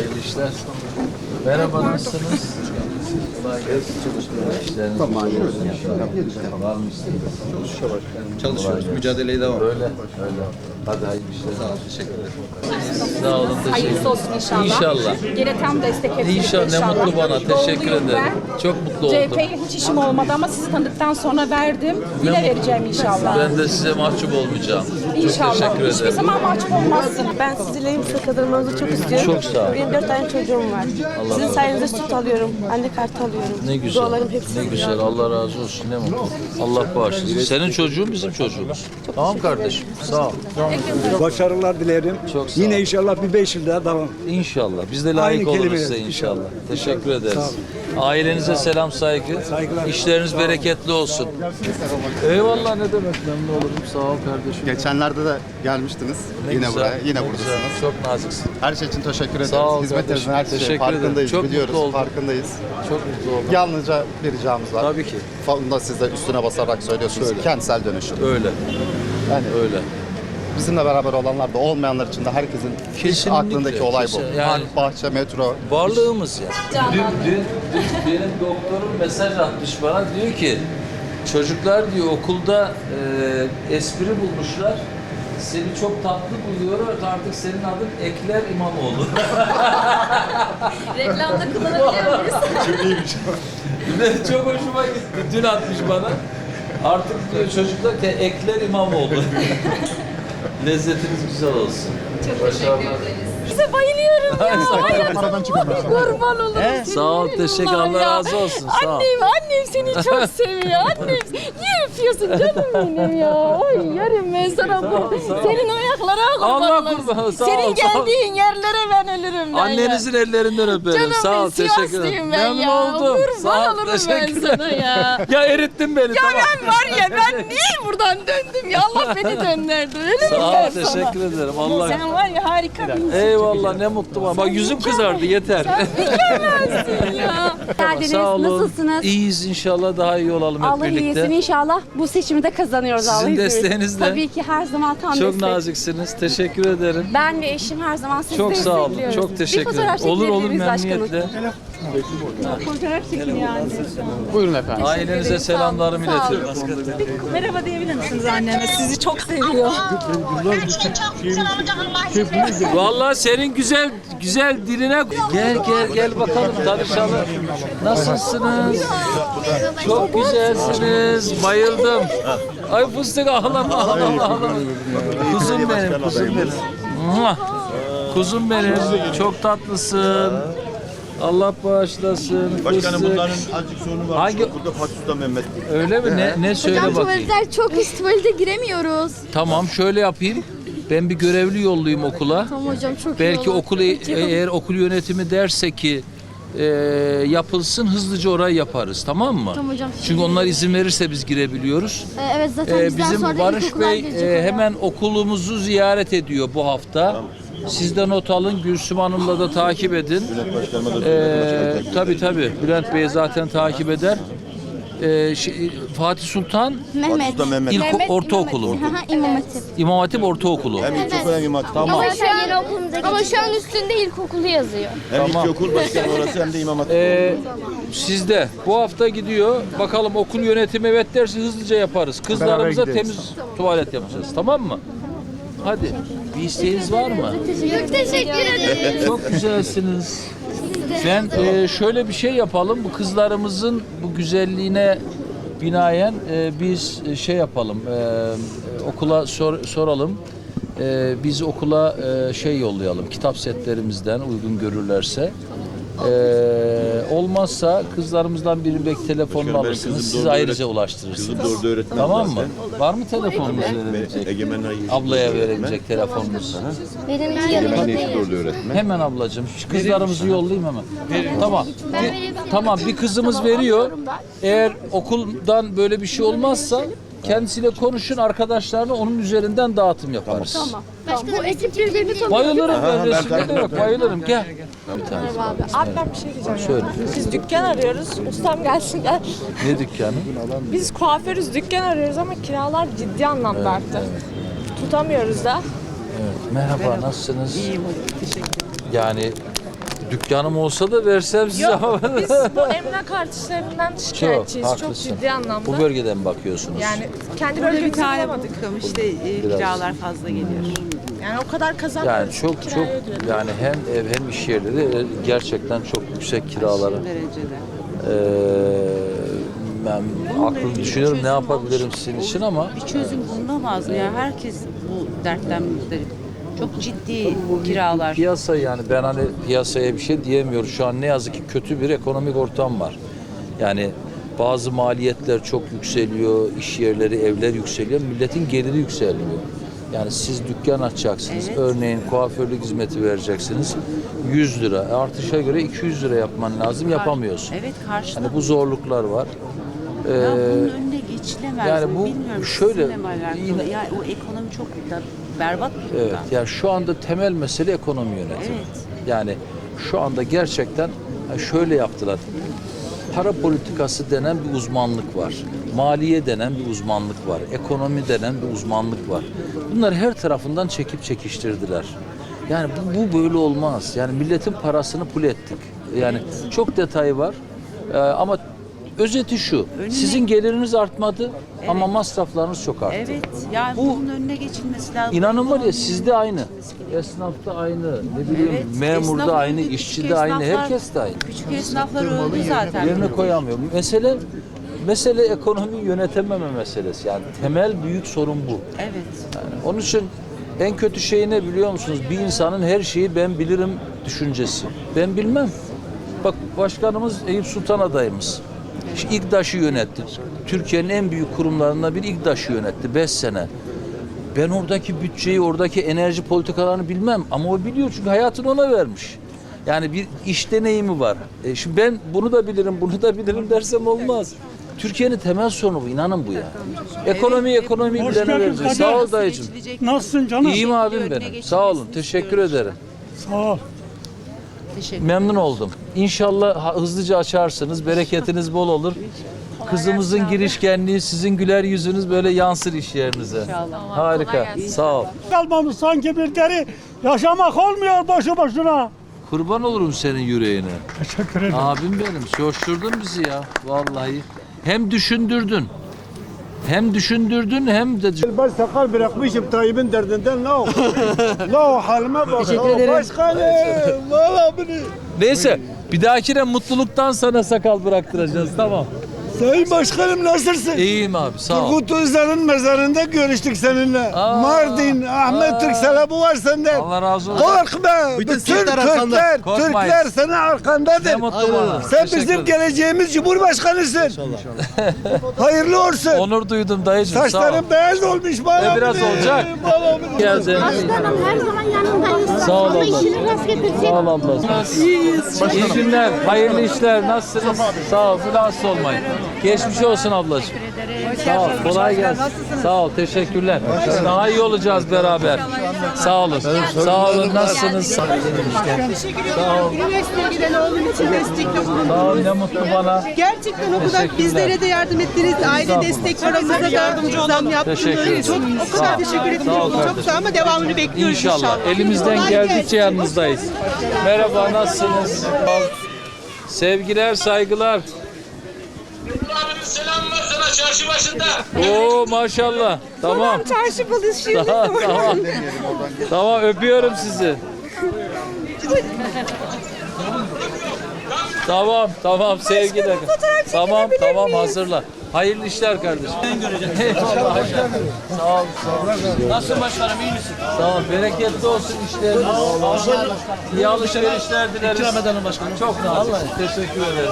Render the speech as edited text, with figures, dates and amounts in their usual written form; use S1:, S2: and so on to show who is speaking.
S1: Hayırlı işler. Merhaba, nasılsınız? İşleriniz var mı isteğiniz?
S2: Çalışıyoruz, mücadeleye devam.
S1: Öyle. Hadi hayırlı işler.
S2: Sağ olun, teşekkür ederim.
S1: Sağ olun, teşekkür
S3: Hayırlısı
S1: ederim.
S3: olsun inşallah.
S1: İnşallah.
S3: Gene tam destek hep
S1: İnşallah,
S3: birlikte
S1: ne mutlu bana. Teşekkür
S3: Doluyum
S1: ederim.
S3: ben.
S1: Çok mutlu oldum.
S3: CHP'ye hiç işim olmadı ama sizi tanıdıktan sonra verdim. Yine vereceğim inşallah.
S1: Ben de size mahcup olmayacağım. Çok
S3: İnşallah.
S1: teşekkür
S3: Hiçbir
S1: ederim.
S3: zaman mahcup olmazsın.
S4: Ben sizinle yüksek kazanmanızı çok istiyorum.
S1: Çok sağ ol.
S4: Benim 4 tane çocuğum var. Sizin sayenizde süt alıyorum. Anne kartı alıyorum.
S1: Ne güzel.
S4: Dualarım hepsi.
S1: Ne güzel. Allah razı olsun. Ne mutlu. Allah bağışlasın. Senin çocuğun bizim çocuğumuz. Tamam kardeşim. Sağ ol.
S5: Başarılar dilerim.
S1: Çok sağ ol.
S5: Yine inşallah bir 5 yıl daha devam.
S1: İnşallah. Biz de layık
S5: Aynı
S1: oluruz
S5: kelimeler,
S1: size inşallah.
S5: inşallah.
S1: Teşekkür ederiz.
S5: Sağ olun.
S1: Ailenize selam, saygı.
S5: Saygılar.
S1: İşleriniz bereketli olsun. Eyvallah, ne demek, memnun olurum. Sağ ol kardeşim.
S2: Geçenlerde de gelmiştiniz.
S1: Ne
S2: Yine
S1: güzel,
S2: buraya, yine
S1: ne
S2: buradasınız.
S1: güzel. Çok naziksin.
S2: Her şey için teşekkür ederiz.
S1: Sağ ol
S2: Hizmetinizin
S1: kardeşim.
S2: her şeyi
S1: Teşekkür ederim.
S2: farkındayız,
S1: Çok
S2: biliyoruz,
S1: mutlu oldum.
S2: farkındayız.
S1: Çok mutlu oldum.
S2: Yalnızca bir ricamız var.
S1: Tabii ki.
S2: Bunu da siz de üstüne basarak söylüyorsunuz.
S1: Söyle.
S2: Kentsel dönüşüm.
S1: Öyle.
S2: Yani
S1: Öyle.
S2: bizimle beraber olanlar da olmayanlar için de herkesin ilk
S1: Kesinlikle,
S2: aklındaki olay bu.
S1: kesin. Yani-
S2: Park, bahçe, metro.
S1: Varlığımız ya. Dün benim doktorum mesaj atmış bana, diyor ki çocuklar diyor okulda espri bulmuşlar. Seni çok tatlı buluyor, artık senin adın Ekler İmamoğlu.
S3: Reklamda kullanabiliyor muyuz?
S1: Çok iyiymiş. Çok hoşuma gitti. Dün atmış bana. Artık diyor çocuklar ki Ekler İmamoğlu. Lezzetiniz güzel olsun.
S3: Çok teşekkür ederiz. Size bayılıyorum ya. Hayatım kurban olurum.
S1: Sağ ol, teşekkür, Allah razı olsun. Sağ ol.
S3: Annem seni çok seviyor. Annem niye öpüyorsun canım benim ya? Oy yarım ben sana bu. Senin ayaklara kurban
S1: Allah
S3: olurum.
S1: kurban, sağ ol,
S3: Senin
S1: sağ ol.
S3: geldiğin yerlere ben ölürüm ben
S1: Annenizin ellerinden öperim.
S3: Canım
S1: Sağ ol,
S3: ben
S1: teşekkür ederim.
S3: Sivaslıyım ben
S1: Memnun
S3: ya.
S1: oldum. Sağ
S3: Kurban
S1: ol,
S3: olurum ben
S1: teşekkürler.
S3: sana ya.
S1: Ya erittin beni,
S3: Ya
S1: tamam.
S3: ben var ya ben niye buradan döndüm ya? Allah beni döndürdü. Öyle
S1: Sağ
S3: mi
S1: ol,
S3: ben sana?
S1: teşekkür ederim. Allah.
S3: Sen var ya harika bir insansın.
S1: Eyvallah, ne mutlu bana. Bak yüzüm kızardı, yeter.
S3: Mükemmelsin ya.
S6: Geldiniz.
S1: Sağ olun.
S6: Nasılsınız?
S1: İyiyiz inşallah, daha iyi olalım hep
S6: Allah
S1: birlikte.
S6: iyisin inşallah. Bu seçimi de kazanıyoruz
S1: Sizin
S6: Allah izin verirse.
S1: desteğinizle.
S6: Tabii ki her zaman tam
S1: Çok
S6: destek.
S1: naziksiniz. Teşekkür ederim.
S6: Ben ve eşim her zaman sizi
S1: Çok sağ olun.
S6: destekliyoruz.
S1: Çok teşekkür
S6: Bir fotoğraf
S1: ederim. Olur olur,
S6: çekilebiliriz başkanım.
S1: memnuniyetle.
S6: Fotoğraf çekin yani.
S2: Buyurun efendim.
S1: Ailenize selamlarımı iletiyorum.
S3: Merhaba diyebilir misiniz anneme? Sizi çok seviyor.
S1: Vallahi senin güzel diline gel bakalım, tanışalım. Nasılsınız? Çok güzelsiniz. Bayıldım. Ay fıstık, ağlama. Kuzum benim. Muah! Kuzum benim. Çok tatlısın. Allah bağışlasın.
S7: Başkanım
S1: Fıstık.
S7: bunların azıcık sorunu var.
S1: Hangi-
S7: Burada Fatih Sultan Mehmet.
S1: Öyle mi? Ne söyle
S8: Hocam
S1: bakayım.
S8: tuvaletler çok pis, tuvalete giremiyoruz.
S1: Tamam, şöyle yapayım. Ben bir görevli yollayayım okula.
S8: Tamam hocam çok iyi
S1: Belki
S8: olur.
S1: okul eğer okul yönetimi derse ki yapılsın, hızlıca orayı yaparız, tamam mı?
S8: Tamam hocam.
S1: Çünkü onlar izin verirse biz girebiliyoruz.
S8: Evet zaten bizden
S1: Bizim
S8: sonra da
S1: Barış
S8: ilkokullar
S1: Bey
S8: gelecek oraya.
S1: hemen okulumuzu ziyaret ediyor bu hafta. Siz de not alın, Gülsüm Hanım'la da takip edin.
S7: Bülent Başkanıma da söyledi.
S1: Tabii. Bülent Bey zaten takip eder. Fatih Sultan
S8: Mehmet.
S7: Sultan Mehmet.
S1: Ortaokulu mu?
S8: Hı hı, İmam Hatip.
S1: İmam Hatip Ortaokulu.
S7: Hem ilkokul hem imam hatip.
S1: Tamam.
S8: Ama şu an üstünde ilkokulu yazıyor.
S7: Hem ilkokul başkanı orası hem de imam hatip.
S1: Sizde bu hafta gidiyor. Bakalım okul yönetimi evet derse hızlıca yaparız. Kızlarımıza temiz tuvalet yapacağız. Tamam mı? Hadi. Bir isteğiniz var mı?
S8: Çok teşekkür ederim.
S1: Çok güzelsiniz. Ben şöyle bir şey yapalım. Bu kızlarımızın bu güzelliğine binaen biz şey yapalım. Okula soralım. Biz okula şey yollayalım. Kitap setlerimizden uygun görürlerse. Olmazsa kızlarımızdan birinin belki telefonunu
S7: Başkanım, benim
S1: alırsınız.
S7: kızım
S1: Siz
S7: doğru
S1: ayrıca ulaştırırsınız.
S7: Kızım doğru öğretmen.
S1: Tamam mı?
S7: zaten.
S1: Var mı telefonunuz verebilecek?
S7: Egemen Ay.
S1: Ablaya verebilecek telefonunuz.
S8: Benimki yanımda
S7: Egemen Yeşil
S8: değil.
S7: doğru öğretmen.
S1: Hemen ablacığım. Şu kızlarımızı yollayayım hemen. Tamam. Tamam, bir kızımız veriyor. Eğer okuldan böyle bir şey olmazsa kendisiyle konuşun, arkadaşlarına onun üzerinden dağıtım yaparız. Tamam.
S8: Bu ekip birbirini tanıyor.
S1: Bayılırım ben,
S7: ben
S1: resimde de
S7: takip
S1: yok. Bayılırım. Gel. Bir tane.
S9: Abi ben bir şey diyeceğim.
S1: Söyle.
S9: Biz dükkan arıyoruz. Ustam gelsin gel.
S1: Ne dükkanı?
S9: Biz kuaförüz, dükkan arıyoruz ama kiralar ciddi anlamda arttı. Tutamıyoruz da.
S1: Evet. Merhaba, nasılsınız? İyiyim, teşekkür ederim. Yani Dükkanım olsa da versem size ama.
S9: Biz bu emlak artışlarından şikayetçiyiz. Çok
S1: haklısın.
S9: ciddi anlamda.
S1: Bu bölgeden bakıyorsunuz.
S9: Yani kendi
S10: Burada bir
S9: bölgemizde
S10: tane
S9: bulamadık.
S10: bulduk işte
S1: Biraz.
S10: kiralar fazla geliyor.
S9: Yani o kadar kazanmıyoruz.
S1: Yani çok
S9: kiraya ödüyoruz.
S1: yani hem ev hem iş yerleri gerçekten çok yüksek kiraları.
S10: Derecede.
S1: Ben aklım düşünüyorum ne yapabilirim sizin için ama
S10: Bir çözüm bulunamaz mı? Yani herkes bu dertten müzdarip. Çok ciddi kiralar.
S1: piyasa yani ben hani piyasaya bir şey diyemiyorum. Şu an ne yazık ki kötü bir ekonomik ortam var. Yani bazı maliyetler çok yükseliyor, iş yerleri, evler yükseliyor, milletin geliri yükseliyor. Yani siz dükkan açacaksınız,
S10: Evet.
S1: örneğin kuaförlük hizmeti vereceksiniz, 100 lira. Artışa göre 200 lira yapman lazım, yapamıyorsun.
S10: Evet karşılık.
S1: Hani bu zorluklar var.
S10: Ya bunun önüne geçilemez
S1: yani
S10: mi?
S1: bu
S10: Bilmiyorum.
S1: şöyle,
S10: Sizinle mi alakalı?
S1: yine-
S10: Yani o ekonomi çok da berbat bir
S1: Evet,
S10: durumda.
S1: yani şu anda temel mesele ekonomi yönetimi.
S10: Evet.
S1: Yani şu anda gerçekten şöyle yaptılar. Para politikası denen bir uzmanlık var. Maliye denen bir uzmanlık var. Ekonomi denen bir uzmanlık var. Bunlar her tarafından çekip çekiştirdiler. Yani bu böyle olmaz. Yani milletin parasını pul ettik. Yani çok detayı var. Ama özeti şu. Sizin geliriniz artmadı ama masraflarınız çok arttı.
S10: Evet. Yani
S1: Bu-
S10: bunun önüne geçilmesi lazım.
S1: İnanın var ya
S10: Ekonominin
S1: sizde aynı.
S10: yönetilmesi gerekiyor.
S1: Esnafta aynı. Ne bileyim
S10: Evet,
S1: memurda
S10: esnaf
S1: aynı,
S10: öldü,
S1: işçi
S10: küçük
S1: de aynı,
S10: esnaflar-
S1: herkes de aynı.
S10: Küçük esnaflar öldü zaten.
S1: Yerine koyamıyor. Mesele ekonomiyi yönetememe meselesi. Yani temel büyük sorun bu.
S10: Evet.
S1: Yani onun için en kötü şey ne biliyor musunuz? Bir insanın her şeyi ben bilirim düşüncesi. Ben bilmem. Bak başkanımız Eyüp Sultan adayımız. İGDAŞ'ı yönetti. Türkiye'nin en büyük kurumlarından bir İGDAŞ'ı yönetti 5 sene. Ben oradaki bütçeyi, oradaki enerji politikalarını bilmem ama o biliyor çünkü hayatını ona vermiş. Yani bir iş deneyimi var. Şimdi ben bunu da bilirim, bunu da bilirim dersem olmaz. Türkiye'nin temel sorunu bu, inanın bu ya. Ekonomiyi bilene vereceğiz. Sağ ol dayıcım.
S10: Nasılsın
S1: İyiyim abim benim. Sağ olun, teşekkür ederim.
S10: Sağ ol. Teşekkür
S1: Memnun oldum. İnşallah hızlıca açarsınız, bereketiniz bol olur. Kızımızın girişkenliği, sizin güler yüzünüz böyle yansır iş yerinize. Harika, sağ ol.
S5: Kalmamış sanki bir deri. Yaşamak olmuyor boşu boşuna.
S1: Kurban olurum senin yüreğine.
S5: Teşekkür ederim.
S1: Abim benim, coşturdun bizi ya vallahi. Hem düşündürdün, hem de...
S5: Ben sakal bırakmışım Tayyip'in derdinden ne o? Ne o halime bak. Teşekkür ederim. Başkanım. Valla beni.
S1: Neyse, bir dahakine mutluluktan sana sakal bıraktıracağız, tamam.
S5: Sayın Başkanım nasılsın?
S1: İyiyim abi, sağ ol.
S5: Turgut Özal'ın mezarında görüştük seninle. Mardin, Ahmet Türksel'e bu var senden.
S1: Allah razı olsun.
S5: Korkma. Bütün Türkler
S1: Korkmayın.
S5: senin arkandadır.
S1: Ne mutlu bana.
S5: Sen
S1: Teşekkür
S5: bizim
S1: ederim.
S5: geleceğimiz Cumhurbaşkanısın. Hayırlı olsun.
S1: Onur duydum dayıcım, sağ ol.
S5: Saçların beyaz olmuş bana.
S1: Biraz olacak. Geldin.
S8: Başkanım her zaman yanındayız.
S1: Sağ ol abla.
S8: İşini rast getirsin.
S1: Sağ ol abla. İyi günler, hayırlı işler. Nasılsınız? Sağ ol, rahatsız olmayın. Geçmiş olsun ablacığım. Sağ ol, kolay gelsin. Sağ ol, teşekkürler. Daha iyi olacağız beraber. Sağ olun. Sağ olun, nasılsınız? Sağ ol.
S10: Üniversiteye giden oğlum için destekli bulundunuz.
S1: Sağ ol, ne mutlu bana.
S10: Gerçekten o kadar
S1: Teşekkürler.
S10: bizlere de yardım ettiniz. Aile
S1: Estağfurullah.
S10: destek paramıza da zam yaptınız.
S1: Teşekkür ederim.
S10: Çok o kadar
S1: Sağ ol.
S10: teşekkür
S1: Sağ ol
S10: ediyorum. Çok
S1: kardeşim.
S10: sağ ama devamını bekliyoruz
S1: İnşallah. Elimizden geldikçe yanınızdayız. Merhaba, nasılsınız? Sevgiler, saygılar.
S11: Selam var sana çarşı başında.
S1: Oo maşallah. Tamam.
S10: Çarşı balışı.
S1: Tamam. Tamam, öpüyorum sizi. Tamam sevgiler. Tamam hazırla. Hayırlı işler kardeşim. Eyvallah. Sağ ol.
S11: Nasılsın başkanım, iyi misin?
S1: Sağ ol. Bereketli olsun işleriniz. İyi alışverişler dileriz. İkram edelim başkanım. Çok nazik. Teşekkür ederim.